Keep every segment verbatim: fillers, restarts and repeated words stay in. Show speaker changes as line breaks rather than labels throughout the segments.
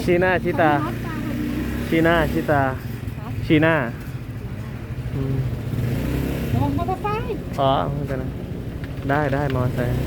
ชีหน้าชีตาชีหน้าชีตาชีหน้าอืม
ระวังมอเตอร์ไซค์
อ๋อไม่เป็นไรได้ได้มอไซค์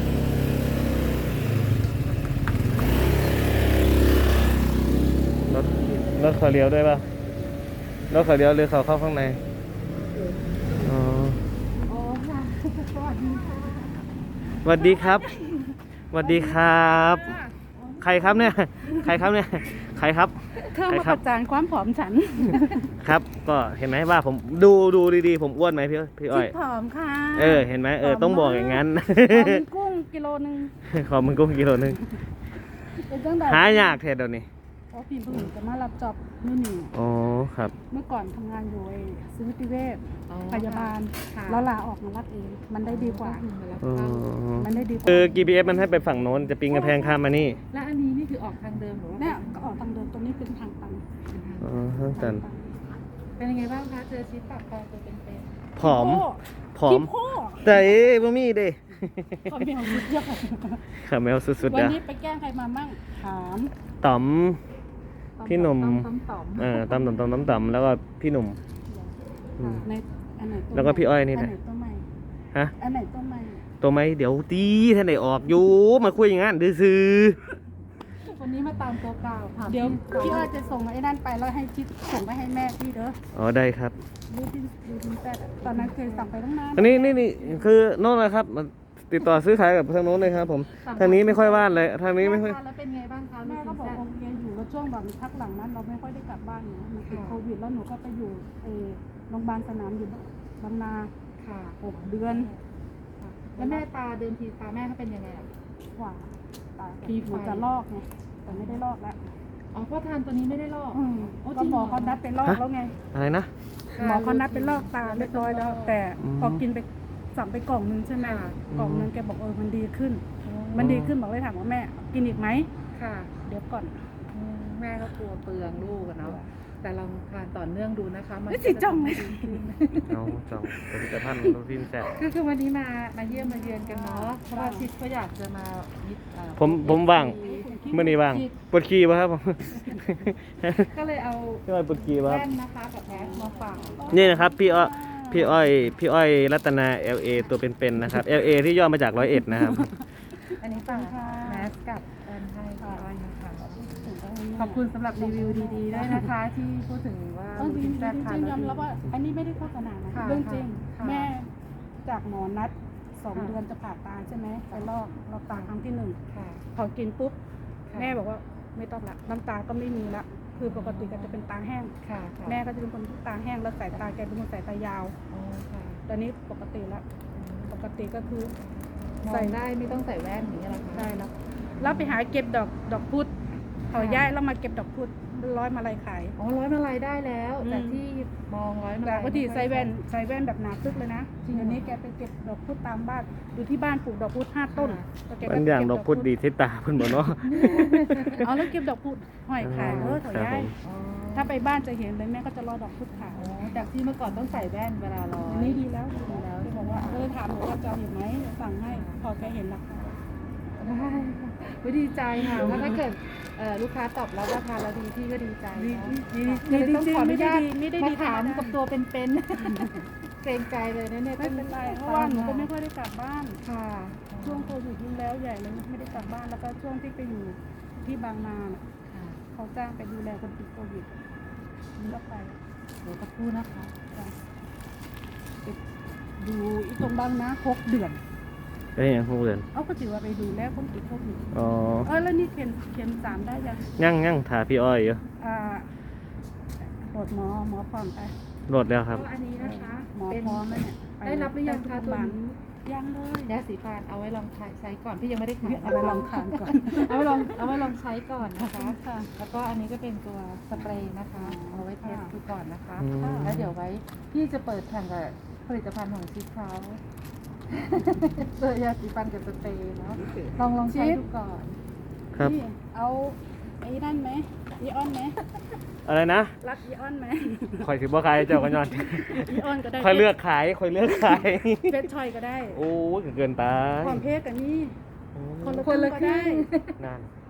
รถรถเขาเลี้ยวด้วยป่ะรถเขาเลี้ยวหรือเขาเข้าข้างในอ๋อ
โอ้ค่ะสวัสดีค่ะ
สวัสดีครับสวัสดีครับ ใครครับเนี่ยใครครับเนี่ยใครครับ
เข้ามาประจานความผอมฉัน
ครับ ก็เห็นไหมว่าผมดูดูดีๆผมอ้วนไหมพี่พี่อ้อย
ผอมค่ะ
เออเห็นไหมเออต้องบอกอย่างนั้น
ผอมกุ้งกิโลนึง
ขอมึงกุ้งกิโลนึง
เป็นจังได
หายากแท้เดี๋ยวนี้
เพราะพี่เพิ่งจะมารับจอบนี่นี่
อ๋อครับ
เมื่อก่อนทำงานอยู่ไอ้ซื้อติเวช
อ๋อ
พยาบาล
ค่ะ
แล้วลาออกมารับเอง มันได้ดีกว่า
อ๋อ
มันได้ดีกว่า
คือ จี พี เอส มันให้ไปฝั่งโน้นจะปีนกระแพงข้ามมานี่
และอันนี้นี่คือออกทางเดิมหรือว่า
เนี่ยก็ออกทางเดินตัวนี้เป็นทางตัน
อ๋อข้างตัน
เป็นยังไงบ้างคะเจอชีวิตปากคลองตัวเป็น
ผอมผอม
พี่พ่อ
แต่เอ้บ่มีเด้
เขาเมียสุดยอด
ขาแมวสุดๆ
วัน
นะ
นี้ไปแกล้งใครมามั่งถาม
ต่อม
ๆ
พี่หนุ่ม
ต้อมต่อม
เออต่อมต่อมต่อมต่อมต่อมแล้วก็พี่หนุ่ม อืม
ในอันไหนตัว
แล้วก็พี่อ้อยนี่
อั
แห
น
ละ
ไหนตัวใหม่
ฮะ
อันไหนตัวใหม่
ตัวไหมเดี๋ยวตีท่านไหนออกอยู่มาคุยอย่างนั้นดื้อซื้อ
วันนี้มาตามตัวเก่าถาม
เดี๋ยว
พี่
พี่อ้อยจะส่งไอ้นั่นไปแล้วให้ชิดส่งไปให้แม่พี่เด้อ
อ๋อได้ครับ
ดูที่ดูที่แปดอะตอนนั้นเคยสั่งไปตั้งนาน
อันนี้นี่นี่คือโน่นนะครับมาติดต่อซื้อขายกับทางโน้นเลยครับผมทางนี้ไม่ค่อยว่านเลยทางนี้ไม่ค่อย
ทานแล้วเป็นไงบ้างคะ
แม่ก็บอกโอเคอยู่แล้วช่วงแบบพักหลังนั้นเราไม่ค่อยได้กลับบ้านเนาะมันติดโควิดแล้วหนูก็ไปอยู่เออโรงพยาบาลสนามอยู่บางนา
ค่ะ
หกเดือน
แล้วแม่ตาเดิมทีตาแม่เขาเป็นยังไงอะ
กว่าตา
ปีไฟ
หนูจะลอกไงแต่ไม่ได้ลอกแล้ว
อ๋อเพราะทานตัวนี้ไม่ได้ลอก
อืม
โอ้จ
ก็
ริง
หมอเขานัดไปลอกแล้วไง
อะไรนะ
หมอเขานัดไปลอกตาเรียบร้อยแล้ว แต่
อืม
พอกินไปสั่งไปกล่องนึงใช่ไหม
ค่ะ
กล่องนึงแกบอกเออมันดีขึ้น มันดีขึ้นบอกเลยถามว่าแม่กินอีกไหม
ค่ะ
เดี๋ยวก่อน
อืมแม่ก็กลัวเปลืองลูกอะเนาะแต่ลองทานต่อเนื่องดูนะคะมัน
ไม่สิจ้องเลย
เอาจองผลิตภัณฑ์โรตีนแซ่บ
คือคือวันนี้มามาเยี่ยมมาเยือนกันเนาะเพราะว่าชิดก็อยากจะมายึดเอ่อ
ผมผมว่างเมื่อนี้ว่างปวดขี้ป่ะครับผม
ก็เลยเอา
พี่อ้อยปวดขี้ป่ะครับ
แว่นนะคะกับแมสมาฝาก
นี่นะครับพี่อ้อยพี่อ้อยพี่อ้อยรัตนา แอล เอ ตัวเป็นๆนะครับ แอล เอ ที่ย่อมาจากร้อยเอ็ดนะครับ
อันนี้ฝากแมสกับแว่นให้ค่ะอ้อยนะคะขอบคุณสำหรับรีวิวดีๆด้วยนะคะ ที่พูดถึงว่า
เออจริง
แซ่บ
ๆ
ทาน
ยอม
แล้
รับ
ว
ว่า อันนี้ไม่ได้โฆษณานะ
ค่ะ
เรื่องจริง
ค่ะ
แม่จากหมอนัดสอง
ค่ะ
เดือนจะผ่าตาใช่ไหมไปลอกลอกตาครั้งที่หนึ่ง
ค่ะ
พอกินปุ๊บ
ค่ะ
แม่บอกว่าไม่ต้องละน้ำตาก็ไม่มีละคือปกติก็จะเป็นตาแห้ง
ค่ะค่ะ
แม่ก็จะเป็นคนที่ตาแห้งแล้วสายตาแกเป็นคนสายตายาว
อ๋อค่ะ
ตอนนี้ปกติแล้วปกติก็คือ
มองได้ไม่ต้องใส่แว่นอย่างนี้ยเหรอคะ
ได้แล้วแล้วไปหาเก็บดอกดอกพุธเขาย้ายแล้วมาเก็บดอกพุธร้อยมาลัยขาย
อ๋อร้อยมาลัยได้แล้ว
อืม
แต่ที่มองร้อยมา
แต่
ลัย
ปกติใส่แว่นใส่แว่นแบบหนาตึกเลยนะ
จริงเหรอ
เดี๋ยวนี้แกไปเก็บดอกพุธตามบ้านอยู่ที่บ้านปลูกดอกพุธห้าต้น
ค่ะ
แล้วแก
บางอย่างดอกพุธดีที่ตาเพิ่นบ่เนาะ
เอาแล้วเก็บดอกพุธห้อยขายเออเขาย้าย
อ๋อ
ถ้าไปบ้านจะเห็นเลยแม่ก็จะรอดอกพุธขาย
อ๋อจากที่เมื่อก่อนต้องใส่แว่นเวลาร้อ
อัน
ย
นี้ดีแล้วดีแล้วที่บอกว่าเออถามหนูว่าจะเอาอีกไหมสั่งให้พอแกเห็นราคา
ได้ค่ะไม่ดีใจค่ะว่าถ้าเกิดเอ่อลูกค้าตอบรับราคาแล้วดีพี่ก็ดีใจ
ดี
เนาะ
ดี
ก็เลยต้องขออนุญาต
ไม่ได้ดี
มาถามกับตัวเป็นๆ เกรงใจเลยนะเนี่ย
ไม่เป็นไรเพราะว่าหนูก็ไม่ค่อยได้กลับบ้าน
ค่ะ
ช่วงโควิดยิ่งแล้วใหญ่เลยไม่ได้กลับบ้านแล้วก็ช่วงที่ไปอยู่ที่บางนาน่ะ
ค่ะ
เขาจ้างไปดูแลคนติดโควิดก็ไป
เดี๋ยวสักครู่นะคะ
จ้ะไปดูอีตรงบางนาหกเดือน
ก็ยังคงเดิน
เอาก็ถือว่าไปดูแลคนติดโควิด
อ๋อ
เออแล้วนี่เข็มเข็มสามได้ยัง
ยั่งยั่งถาพี่อ้อยอยู่
อ่าโหลดหมอหมอพร้อมไป
โหลดแล้วครับ
ก็อันนี้นะคะ
หมอ
เป็น
พร้อมแล้วเนี่ยป
ได้รับหรือยังคะตัวนี้
ยังเลย
ยาสีฟันเอาไว้ลองใช้ก่อนพี่ยังไม่ได้ขาย
เอาไปลองทานก่อน
เอาไว้ลองเอาไว้ลองใช้ก่อนนะคะ
ค่ะ
แล้วก็อันนี้ก็เป็นตัวสเปรย์นะคะ เอาไว้เทสดูก่อนนะคะ
อืม
แล้วเดี๋ยวไว้พี่จะเปิดแข่งกับผลิตภัณฑ์ของชิคเขาตัวยาสีฟันกับสเปรย์เนาะลองลองใช้ดูก่อน
ครับ
นี่เอาไอ้นั่นไหมอีออนไหม
อะไรนะ
รักอีออนไหม
คอยถือบ่ขายเจ้ากันยอน
อีออนก็ได้
คอยเลือกขายคอยเลือกขาย
เฟซชอยก็ได้
โอ้ยเกินไป
ความเพศกับนี่คนละ
คนละ
ก็
ครึ่
ได้
ง
นั่น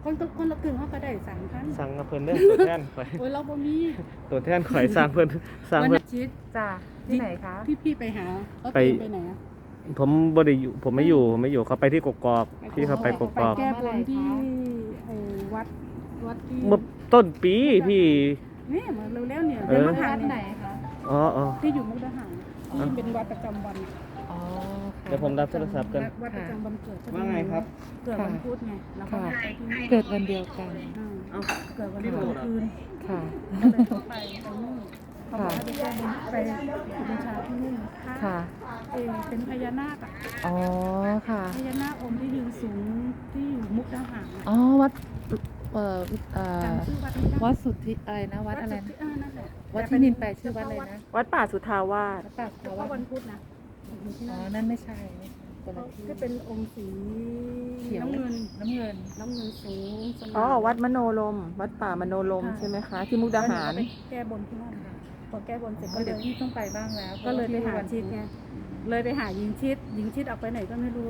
คนละคนละครึ่งเขาก็ได้สามพัน
สั่งกับเพิ่นเด้อตัวแทนข่อย
โอ้ยเราบ่มี
ตัวแทนข่อยสั่งเพิ่นสั่ง
วัน
เพิ่น
อาทิตย์
จ้าที่ไหนคะ
ที่พี่ไปหาเขา
ไป
เตรียมไปไหนอะ
ผมบ่ได้อยู่ผมไม่อยู่ผมไม่อยู่เขาไปที่กกอกพี่เขาไปกกอก
แก้บนที่ไอ้วัดวัดที่
เมื่อต้นปีพี่
นี่มาเร็วๆเนี่ย
เอ
เดี๋ยว
อ
มาหา
วัด
เนี่
ไหน
ย
คะ
อ๋ออ๋อ
ที่อยู่มุกดาหารที่เป็นวัดประจำวัน
อ๋อค่ะ
เดี๋ยวผมรับโทรศัพท์กัน
วัดประจำวันเกิด
ว่าไงครับ
เกิดวันพุธไงแล้วก็
ค่ะ
ไปที่นี่
เกิดวันเดียวกัน
อ่า
เอ้า
เกิดวันพุธคืน
ค่ะ
ก็เลยต้องไปไปนู่นเขาบอกให้ไปแก้บนไปบูชาที่นู่น
ค่ะ
เออเป็นพญานาคอะ
อ๋อค่ะ
พญานาคองค์ที่ยืนสูงที่อยู่มุกดาหารอะ
อ๋อวัดเอ่อเอ่อ
จำชื่อวัดไม่ได้
วัดสุทธิอะไรนะวัดอะไร
สุทธิ
นะ
เออนั่นแหละ
วัดที่นินไปชื่อวัดอะไรนะ
วัดป่าสุทธาวาส
วัดป่า
เฉ
เขา
พาะ
วั
วั
ด
นพุธนะอยู่ที่
อ๋อ
นั่น
นั่นไม่ใช่คนละที่
ที่เป็นองค์สี
เขียว
น้ำเงิน
น้ำเงิน
น้ำเงินสูงสง่า
อ๋อ วัดมโนลม วัดป่ามโนลมใช่ไหมคะ ที่มุกดาหาร
แล้วนูก็ไปแก้บนที่นั่นค่ะพอแก้บนเสร็จ
ก็
ก็เล
เดี๋ยวย พี่ต้องไปบ้างแล้ว
ก็เลยไปหา
พระว่
ชิดไงเลยไปหาหญิงชิดหญิงชิดออกไปไหนก็ไม่รู้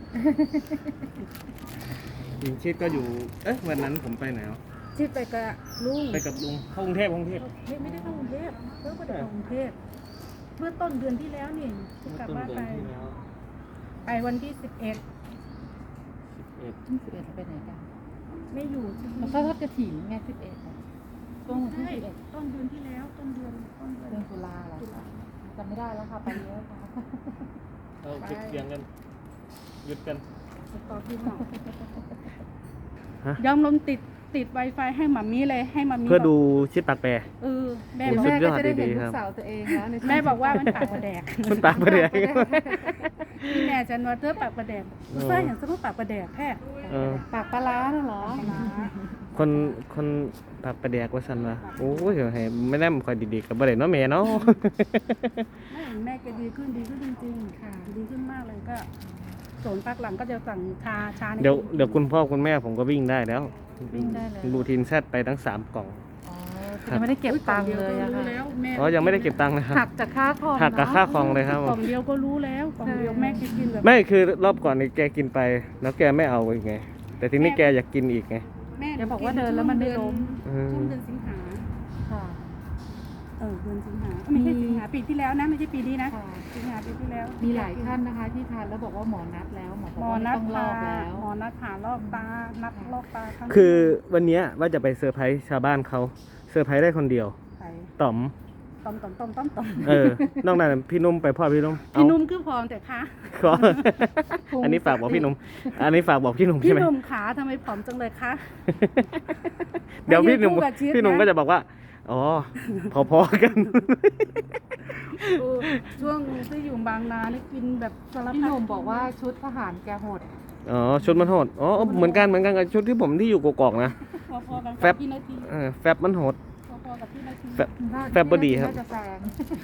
หญิงชิดก็อยู่เอ๊ะวันนั้นผมไปไหนวะ
ชิดไปกับลุง
ไปกับลุงเข้ากรุงเทพกรุงเทพ
ไม่ไม่ได้เข้ากรุงเทพเพิ่งไปเข้ากรุงเทพเมื่อต้นเดือนที่แล้วนี่ที่กลับบ้านไป
ที่แล้ว
ไปวันที่สิบเอ็ด
เอ็ด
ที่สิบเอ็ดไปไหนกัน
ไม่อยู่ที่
แล้วก็ทอดกระถิ่นไงสิบเอ็ดช่วงวันที่
ใช่
สิบเอ็ด
ต้นเดือนที่แล้วต้นเดือนต้นเดือน
เดือนตุลาเหรอคะจำไม่ได้แล้วค่ะไปเยอะค่ะ
เราเก็บเสียงกันหยุดกัน
ต่อที่หมอ
ฮะ
ยอมลมติดติด Wi-Fi ให้หมามีเลยให้หมามี
เพื่อดู
บก
ชิดปากแปร
เออแม่
โอ้
บอก
สุด
แม่
ยอด
ก็จะได้เห็น
ดีๆ
ลู
ครั
ก
บ
สาวตัวเองแล้วใน
แม่บอกว่ามันปากประแดก
มันปากประเดี๋ยว
พี่แม่จันว่าเธอปากประแดก
เออ
เสื้ออย่างสมมติปากประแดกแค่
เออ
ปากปลาร้าน่ะเหรอ
คนคนปากประแดกว่าสันวะโอ้ยเดี๋ยวให้ไม่ได้มันคอยดีๆกับบ่ได้เนาะแม่เนาะ
แม่แม่แกดีขึ้นดีขึ้นจริงๆค่ะดีขึ้นมากเลยก็ส่วนพักหลังก็จะสั่งชาชาใน
เดี๋ยวเดี๋ยวคุณพ่อคุณแม่ผมก็วิ่งได้แล้ว
วิ่งได้เลย
รูทีนแซดไปทั้งสามกล่อง
อ๋อยังไม่ได้เก็บตังค์เลยอะ
รู้
ค่ะ
แล้วแม่
อ๋อยังไม่ได้เก็บตังค์เลยครับ
หักจากค่าคอม
หักกับ
เนอะ
ค่าคลองเลยครับ
กล่องเดียวก็รู้แล้วกล่องเดียวแม่แกกินแบบ
ไม่คือรอบก่อนนี่แกกินไป แล้วแกไม่เอาอีกไง แต่ทีนี้แกอยากกินอีกไง
แม่
อย่าบอกว่าเดินแล้วมันไม่ล้ม
อืม
ช่วงเดือนสิงหา
ค่ะ
เออเดือนสิงหาไม่ใช่สิงหาปีที่แล้วนะไม่ใช่ปีนี้นะ
ค่ะ
สิงหาปีที่แล้ว
มีหลายท่านนะคะที่ทานแล้วบอกว่าหมอนัดแล้วหมอบอก
หมอ
ว่า
นั
ไม่
ด
ต้องล
พา
อกแล้ว
หมอนัดผ่าลอกตานัดลอกตารั้ง
คือวันเนี้ยว่าจะไปเซอร์ไพรส์ชาวบ้านเขาเซอร์ไพรส์ได้คนเดียว
ไป
ต่อม
ต้มต้มต้มต้มต้ม
เออนอกนั้นพี่นุ่มไปพ่อพี่นุ่ม
พี่
เอา
นุ่มคือพร้อมแต่ขา
ขออันนี้ฝากบอกพี่นุ่มอันนี้ฝากบอกพี่นุ่ม
พี่
ใช่ไหม
นุ่มขาทำไมผอมจังเลยคะ
เดี๋ยวพี่นุ่ม
มายืนคู่กับชิดนะ
พี่นุ่มก็จะบอกว่าอ๋อพอๆกัน
เออช่วงที่อยู่บางนานี่กินแบบสารพัด
พี่หนุ่มบอกว่าชุดทหารแกโหด
อ๋อชุดมันโหดอ๋อเหมือนกันเหมือนกันกับชุดที่ผมที่อยู่กอกๆนะ
พอๆกัน
แฟ
กับบ พี่นาที
เออแฟบมันโหด
พอๆกับพี่นาที
แฟบ แฟบบดีครับ
น่าจะแซง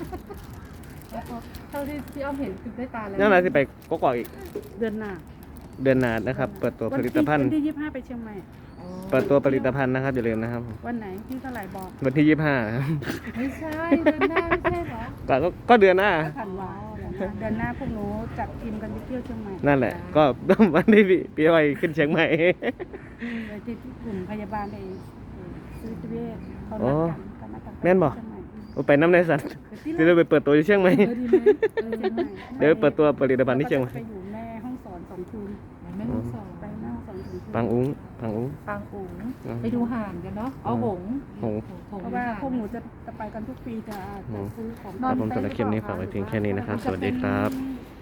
เท่าที่พี่อ้อมเห็นคือได้ตาแล้ว
นั่นแหละที่ไปกอกๆอีก
เดือนหน้า
เดือนหน้านะครับ เปิดตัวผลิตภัณฑ์
วันที่ยี่สิบห้าไปเชียงใหม่
อ๋อ
เปิดตัวผลิตภัณฑ์นะครับอย่าลืมนะครับ
วันไหนที่เท่าไหร่บอก
วันที่ยี่สิบห้า
ไม่ใช่เดือนหน้าไม่ใช่เหรอ
ก็ก็ก็เดือนหน้า
ผ่านวาเดือนหน้าพวกหนูจัดทีมกันไปเที่ยวเชียงใหม่
นั่นแหละ ก็ วันที่พี่พี่อ้อยขึ้นเชียงใหม่
โดยที่กลุ่มพยาบาลเองซื้อจิเวชเขา
อ๋
นั
อ
ดกันเขานัดกัน
แม่นบ่
เชียงใหม่
เอาไปน้ำในสัตว์
เดี๋ยว
จะได้ไปเปิดตัวที่เชียงใหม่
เออดีไหมเออเชียงใหม่
เดี๋ยวไปเปิดตัวผลิตภัณฑ์ที่เชียงใหม่
ไปอยู่แม่ห้องสอนสองคืน
แม่ห้องสอน
ไปแม่ห้องสอนสองคืน
ปังอุ้งปังอุ้ง
ปางอุ๋ง
อืม
ไปดูห่านกันเนาะเอาหงส์
หงส์
หงส์
เพราะว่าพวกหนูจะจะไปกันทุกปีจะจะซื้อของ
ครับผมสำหรับคลิปนี้ฝากไว้เพียงแค่นี้นะครับ สวัสดีครับ
จะ